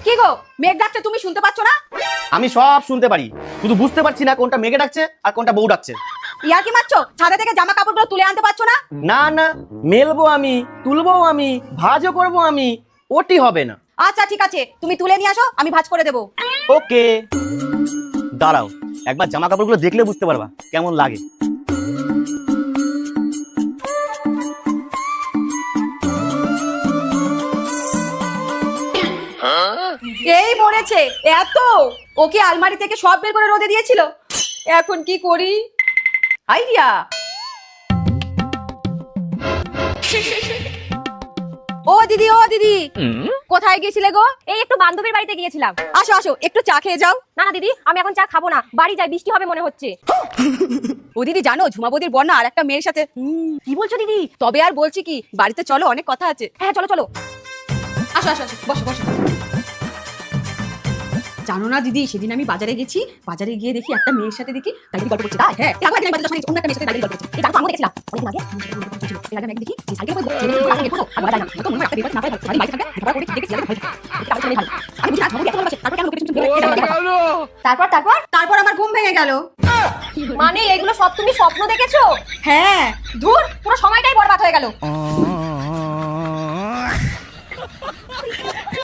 কি গো, মেঘ ডাকছে, তুমি শুনতে পাচ্ছ না? আমি সব শুনতে পারি, শুধু বুঝতে পারছি না কোনটা মেঘে ডাকছে আর কোনটা বউ ডাকছে। ইয়া কি মারছো? ছাদে থেকে জামা কাপড়গুলো তুলে আনতে পারছো না? না না, মেলবো আমি, তুলবো আমি, ভাজও করবো আমি, ওটি হবে না। আচ্ছা ঠিক আছে, তুমি তুলে নিয়ে আসো, আমি ভাঁজ করে দেবো। ওকে, দাঁড়াও, একবার জামা কাপড়গুলো দেখলে বুঝতে পারবা কেমন লাগে। এই মরেছে এত! ওকে আলমারি থেকে সব বের করে রোদে দিয়েছিল, এখন কি করি? আইডিয়া! ও দিদি, ও দিদি, কোথায় গিয়েছিলে গো? এই একটু বান্ধবীর বাড়িতে গিয়েছিলাম। আসো আসো, একটু চা খেয়ে যাও। না না দিদি, আমি এখন চা খাবো না, বাড়ি যাই, বৃষ্টি হবে মনে হচ্ছে। ও দিদি, জানো ঝুমা বৌদির বর না আর একটা মেয়ের সাথে। কি বলছো দিদি? তবে আর বলছি কি, বাড়িতে চলো, অনেক কথা আছে। হ্যাঁ চলো চলো। আসো আসো আসো, বসো বসো। জানো না দিদি, সেদিন আমি বাজারে গেছি, বাজারে গিয়ে দেখি একটা মেয়ের সাথে দেখি তাই গল্প করছে। তাই হ্যাঁ, তারপর একদিন বাজারে অন্য একটা মেয়ের সাথে তাই গল্প করছে। এই গান তো আমিও দেখছিলাম অনেকদিন আগে। এর আগে আমি দেখি যে সাইকেলে করে ছেলে মেয়ে আগে ফটো আবার যায় না, তো মনে হয় একটা বিপদ না পাই, বাড়ি বাইরে থাকে, খাবার করে দেখি ছেলে ভয় থাকে। তারপর ছেলে ভালো, আমি বুঝি না ঝুমা বৌদি এত ভালোবাসে, তারপর কেন লোকের পিছনে তারপর তারপর তারপর আমার ঘুম ভেঙে গেল। মানে এগুলো সব তুমি স্বপ্ন দেখেছো? হ্যাঁ, ধুর, পুরো সময়টাই বরবাদ হয়ে গেল।